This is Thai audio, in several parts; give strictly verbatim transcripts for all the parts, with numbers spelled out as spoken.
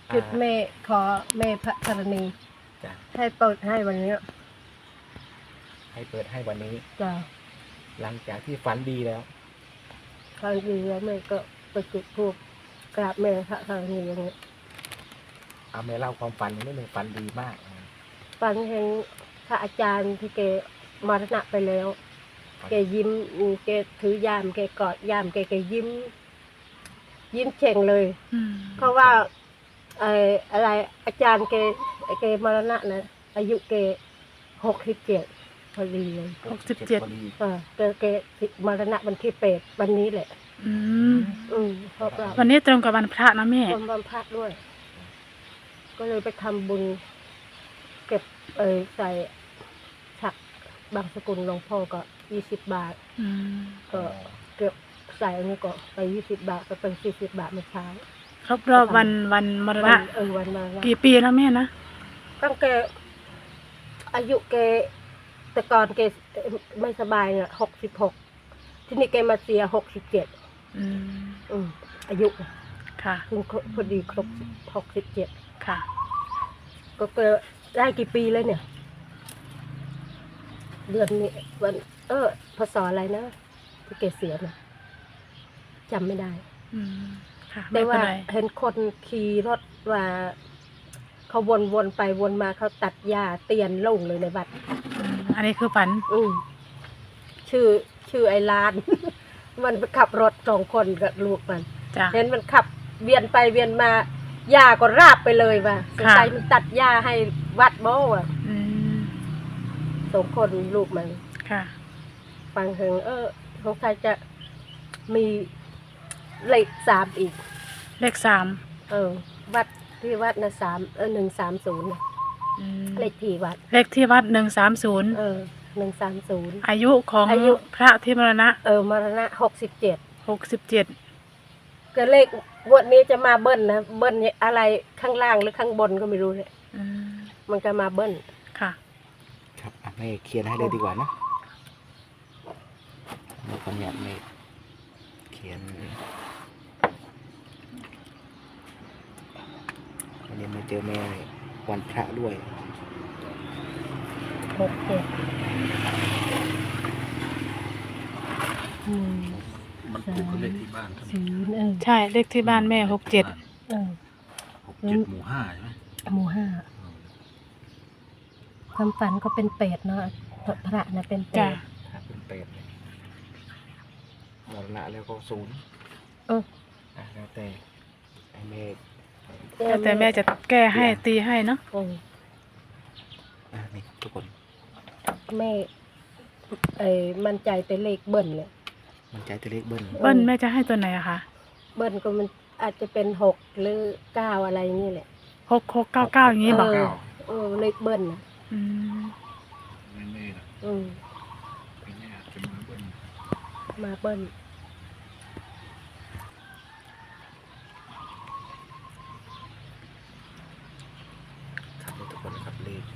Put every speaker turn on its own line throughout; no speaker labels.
จุดแม่ขอแม่พระธรณีให้เปิดให้วันนี้
ให้เปิดให้วันนี้
จ้ะ
หลังจากที่ฝันดีแล้ว
ครั้งดีแล้วแม่ก็ไปจุดธูปกราบแม่พระธรณีอย่างนี้
เอาแม่เล่าความฝันนิดนึงฝันดีมาก
ฝันเห็นพระอาจารย์ที่แกมรณะไปแล้วแกยิ้มแกถือยามแกกอดยามแกแกยิ้มยิ้มเฉ่งเลยเพราะว่าไอ้อะไรอาจารย์แกแกมรณะนะอายุแกหกสิบเจ็ดพอดีเลย
หกสิบเจ็ด
เออแกแกมรณะวันที่แปดวันนี้แหละ
อืม
อืมเพราะว่า
วันนี้ตรงกับวันพระนะแม่
วันวันพระด้วยก็เลยไปทำบุญเก็บเออใส่ฉักบางสกุลหลวงพ่อก็ยี่สิบบาทก็เก็บใส่อันนี้ก็ไปยี่สิบบาทก็เป็นสี่สิบบาทเมื่อเช้า
ครบรอบวันวันมรณะ
เออวันมรณะ
กี่ปีแล้วแม่นะ
ตั้งแกอายุแกแต่ก่อนแกไม่สบายเนี่ยหกสิบหกที่นี่แกมาเสียหกสิบเจ็ด
อืม
อืมอายุ
ค่ะ
คือพอดีครบหกสิบเจ็ด
ค่ะ
ก็เกิดได้กี่ปีแล้วเนี่ยเดือนนี้วันเออพศอะไรนะที่แกเสียนะจำไม่ได้
อืมค่ะ
แต่ว่าเห็นคนขี่รถว่าเขาวนๆไปวนมาเขาตัดหญ้าเตียนลงเลยในบัด
อันนี้คือฝัน
อืมชื่อชื่อไอ้ลาน มันไปขับรถสองคนกับลูกมันเห็นมันขับเวียนไปเวียนมาหญ้าก็ราบไปเลยว่ะสงสัยมันตัดหญ้าให้วัดโบ้อ่ะสองคนลูกมัน
ค่ะ
ฟังเห็นเออสงสัยจะมีเลขสามอีก
เลขสาม
เออวัดที่วัดนะสามเออหนึ่งสามศูนย์เลขที่วัด
เลขที่วัดหนึ่งสามศูนย์
เออหนึ่งสามศูนย์
อายุของอายุพระที่มรณะ
เออมรณะหกสิบเจ็ด
หกสิบเจ็ด
ก็เลขงวดนี้จะมาเบิ้ลนะเบิ้ลอะไรข้างล่างหรือข้างบนก็ไม่รู้เนี่ยมันก็มาเบิ้ล
ค่ะ
ครับแม่เขียนให้เลยดีกว่านะเราขออนุญาตแม่เขียนวันนี้มาเจอแม่วันพระด้วย
หกเจ็ด
มันถูกกับเลขที่บ้าน
ใช่เลขที่บ้านแม่หกเจ็ด
หกเจ็ดหมู่ห้าใช่ไหม
หมู่ห้าความฝันก็เป็นเป็ดเนาะพระนะเป็นเป็ด
เป็นเป็ดมรณะแล้วก็ศูนย์
เออ
แล้วแต่ไอ้แม่
แล้วแต่แม่จะแก้ให้ตีให้เนาะ
อ่านี่ทุกคน
แม่ไอ้มั่นใจแต่เลขเบิ้ลเนี่ย
มั่นใจแต่เลขเบิ้ล
เบิ้ลแม่จะให้ตัวไหนอะคะ
เบิ้ลก็มันอาจจะเป็นหกหรือเก้าอะไรอย่างนี้แหละ
หกหกเก้าเก้าอย่างนี้บอก
เออเลขเบิ้ลนะ
อืม
ไม่แน่นะ
อืม
ไม่แน่จะมาเบิ้ล
มาเบิ้ล
ครับทุกคนนะครับเลข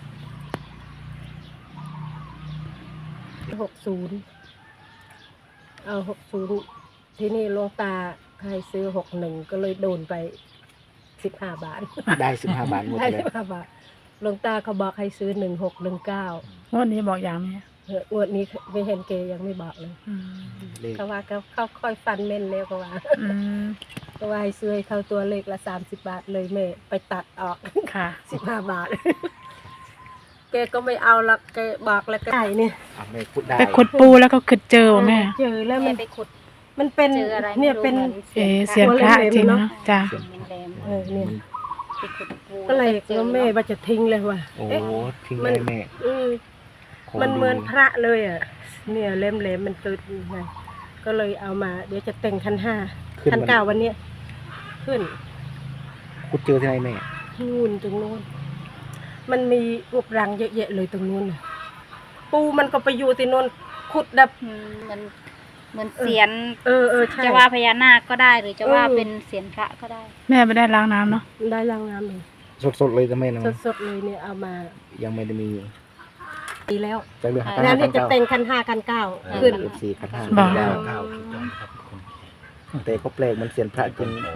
หกศูนย์เอาหกศูนย์ที่นี่หลวงตาใครซื้อหกหนึ่งก็เลยโดนไปสิบห้าบาท
ได้สิบห้าบาทหมดเลย
ได้สิบห้าบาทหลวงตาเขาบอกให้ซื้อหนึ่งหกหนึ่งเก้าง
วดนี้บอกอย่างไหม
งวดนี้ไม่เห็นเกยังไม่บอกเลยเขาว่าเขาเขาค่อยฟันเม่นแล้วเขาว่าเขาว่าให้ซื้อให้เขาตัวเลขละสามสิบบาทเลยแม่ไปตัดออก
ค่ะ
สิบห้าบาทแกก็ไม่เอาละแกบอกแล้วก็ได้เนี่ย
ไปขุดปูแล้วก็ขุดเจอแม่
เจอแล้วมันไปขุดมันเป็นเนี่ยเป็น
เอเสียงพระจริงเนาะจ้า
เออเนี่ยก็เลยก็แม่ว่าจะทิ้งเลยว่ะ
โอ้ทิ้งเลยแม่
มันเหมือนพระเลยอ่ะเนี่ยเล่มเล่มมันตึดไงก็เลยเอามาเดี๋ยวจะแต่งคันห้าคันเก้าวันเนี้ยขึ้น
ขุดเจอที่ไหนแม่
นู่นตรงนู้นมันมีรูปรังเยอะๆเลยตรงนู้นปูมันก็ไปอยู่ที่นู้นขุดดับ
มันเหมือนเสียน
เออเออใช่
จะว่าพญานาคก็ได้หรือจะว่าเป็นเสียนพระก็ได้
แม่ไม่ได้ล้างน้ำเนาะ
ได้ล้างน้ำเลย
สดๆเลยจะแม่นะ
สดๆเลยเนี่ยเอามา
ยังไม่ได้มี
ดีแล้ว
จะเลือก
แล้วนี่จะแต่งคันห้าคันเก้าขึ้น
สี่คันห้าคันเก้าเก้าถูกต้องครับแต่เขาแปลกมันเสียนพระจนนี่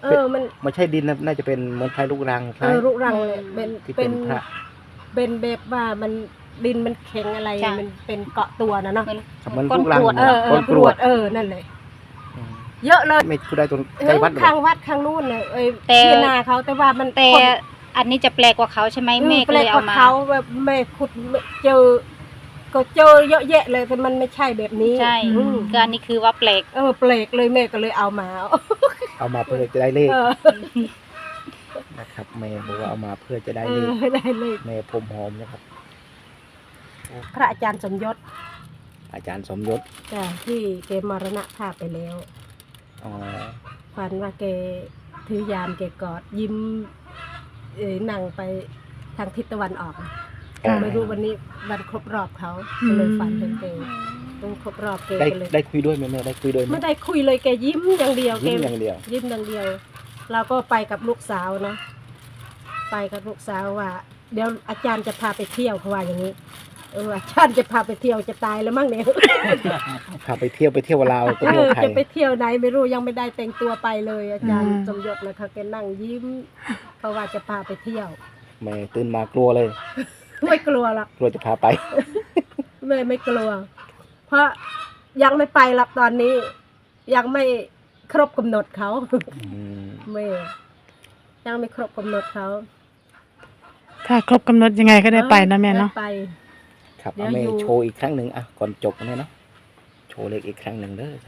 เออมัน
ไม่ใช่ดินนะน่าจะเป็นเหมือนไทยลูกรังค
เอ
ล้าย
อรุรังเลยเป็น
ที่
เป็
เป็น นพระ
เป็นแบบว่ามันดินมันแข็งอะไร
จ้ะ
มันเป็นเกาะตัวนะเนาะ
เหมือน
เหมือน
ก้น
ลูกรัง
กรวด
เออเอ
ก้
อน ก
ก
ร
ร
ว
ว
ด
ด
เออนั่นเลย
อืม
เยอะเลย
ไม่พูดได้ตรง
เอ
ใกล้
อ
วัดหรอ
ข้างวัดข้างนู้นเลยเอ้ย
แต่
ที่นาเขาแต่ว่ามัน
แต่
คน
อันนี้จะแปลกกว่าเขาใช่ไหมแม่ก็
แปล
เล
ก
ย
ก
เอา
ว่า
มา
เขาแบบแม่ขุดเจอ ก็เจอเยอะแยะเลยแต่มันไม่ใช่แบบนี้
ใช่
อืม
ก็อันนี้คือว่าแปลก
เออแปลกเลยแม่ก็เลยเอามา
เอามาเพื่อจะได้เลข
เออ
นะครับแม่บอกว่าเอามาเพื่อจะได้
เอ
เล
อ
ข
ได้เลย
แม่พรมหอมนะครับ
พระอาจารย์สมยศ
อาจารย์สมยศ
จ้ะที่แกมรณภาพไปแล้ว
อ๋อ
ฝันว่าแกถือยามแกกอดยิ้มเอ่ยนั่งไปทางทิศตะวันออก
ค่ะ
ไม่รู้วันนี้วันครบรอบเขาก็เลยฝันถึงแกต้องครบรอบแก
ได้
ก็เลย
ได้คุยด้วยไหมแม่ได้คุยด้วยไหม
ไม่ได้คุยเลยแกยิ้มอย่างเดียวแก
ยิ้มอย่างเดียว
ยิ้มอย่างเดียว เราก็ไปกับลูกสาวเนาะไปกับลูกสาวว่า เดี๋ยวอาจารย์จะพาไปเที่ยวเขาว่าอย่างนี้เอออาจารย์จะพาไปเที่ยวจะตายแล้วมั้งเนี่ย
พาไปเที่ยวไปเที่ยวลาวไป
เอ
เที่ยว
อ
ไทย
จะไปเที่ยวไหนไม่รู้ยังไม่ได้แต่งตัวไปเลย อาจารย์
อืม
สมยศนะคะแกนั่งยิ้มเพราะว่าจะพาไปเที่ยว
แม่ตื่นมากลัวเลย
ไม่กลัวหรอก
กลัวจะพาไป
แม่ไม่กลัว เพราะยังไม่ไปหรอกตอนนี้ ยังไม่ครบกำหนดเขา
อืม
แม่ยังไม่ครบกำหนดเขา
ถ้าครบกำหนดยังไงก็ได้ไปนะแม่เนาะ
ได้ไป
ครับ
เดี๋ยว
เอาแม่
อยู่
โชว์อีกครั้งหนึ่งอ่ะก่อนจบนะแม่เนาะโชว์เลขอีกครั้งหนึ่งเด้อจ้ะ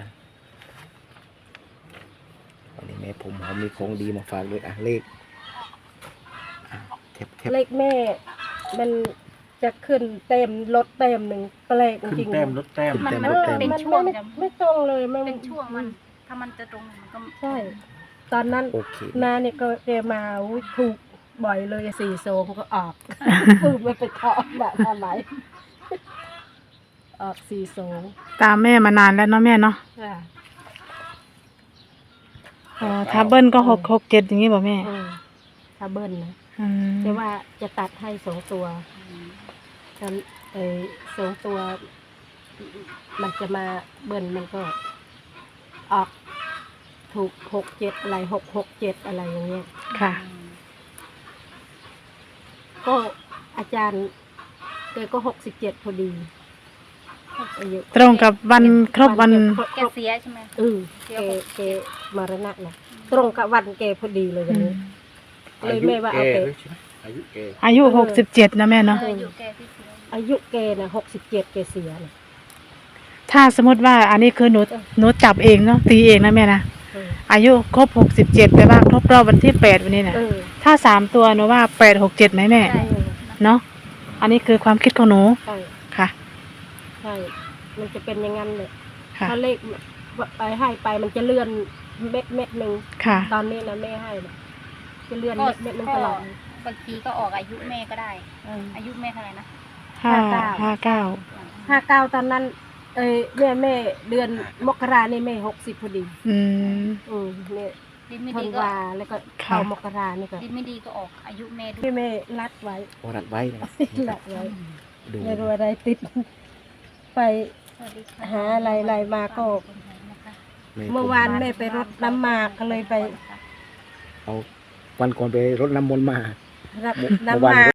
วันนี้แม่ผมหอมมีของดีมาฝากด้วยอ่ะเลขอ่ะเทปเทป
เลขแม่ มันจะขึ้นเต็มลดเต็มหนึ่งแปลก
ขึ้น
จริงๆ
แต้มลดแต้ม
มัน
เอ
มัน
อ
เป็น
มัน
ช่วง
ไม่
จะ
ไม่ตรงเลยมัน
เป็นช่วงมัน ถ้ามันจะตรงมันก็
ใช่ ตอนนั้น
โอเค
นาเนี่ยก็เจมาอุ๊ยถูกบ่อยเลยสี่โซงก็ออก ถูกไม่ไปเคาะแบบทำไมออกสี่โซง
ตามแม่มานานแล้วเนาะแม่เนาะ
ค่ะ
อ๋อถ้าเบิ้ลก็หกหกเจ็ดอย่างนี้บ่แม่
อืมถ้าเบิ้ลนะ
อืม
แต่ว่าจะตัดให้สองตัวกันไอ้สองตัว มันจะมาเบิ้ลมันก็ออก ถูกหกเจ็ดอะไรหกหกเจ็ดอะไรอย่างเงี้ย
ค่ะ
ก็อาจารย์แกก็หกสิบเจ็ดพอดีอายุ
ตรงกับวันครบวัน
แกเสียใช่ไหม
เออแกแกมรณะนะตรงกับวันแกพอดีเลยวันนี้ เลยแม่ว่าเอาแก
ด้วยใช่ไหมอายุแก
อายุหกสิบเจ็ดนะแม่เนาะ
เอออยู่แกที่เสีย
อายุแกนะหกสิบเจ็ดแกเสียนะ
ถ้าสมมติว่าอันนี้คือหนูหนูจับเองเนาะตีเองนะแม่นะ
เออ
อายุครบหกสิบเจ็ดแปลว่าครบรอบวันที่แปดวันนี้นะ
เออ
ถ้าสามตัวหนูว่าแปดหกเจ็ดไหมแม่
ใช่
เนาะอันนี้คือความคิดของหนู
ใช่
ค่ะ
ใช่มันจะเป็นอย่างนั้นเลย
ค่ะ
ถ้าเลขไปให้ไปมันจะเลื่อนเม็ดเม็ดหนึ่ง
ค่ะ
ตอนนี้นะแม่ให้นะจะเลื่อน
ก็
เม็ดเม็ดหนึง
ก็
ตลอด
บางทีก็ออกอายุแม่ก็ได้
เออ
อายุแม่เท่าไหร่นะ
ห้า
ห้า
ห้า
เก้า
เก้า
ห้าเก้าตอนนั้น เอ้ยแม่แม่เดือนมกรานี่แม่หกสิบพอดี
อืม
อืมเนี่ย
ดินไม่
ธั
ดี
น
ก็
วาแล้วก็เข้า
ค่ะ
มกรานี่ก็
ดินไม่ดีก็ออกอายุแม่ด้ว
พี่
ย
แม่รัดไว้
โอรัดไว้นะครับ
รัดไว้
ดู
ไม่รู้อะไรติด ไป
สวัสดีค่ะ
หาอะไรอะไรมาก็ เมื่อวานแม่ไปรดน้ำหมากก็เลยไป
เอาวันก่อนไปรดน้ำมนต์มา
รับ
เมื่อ
น้ำห
วาน
มาก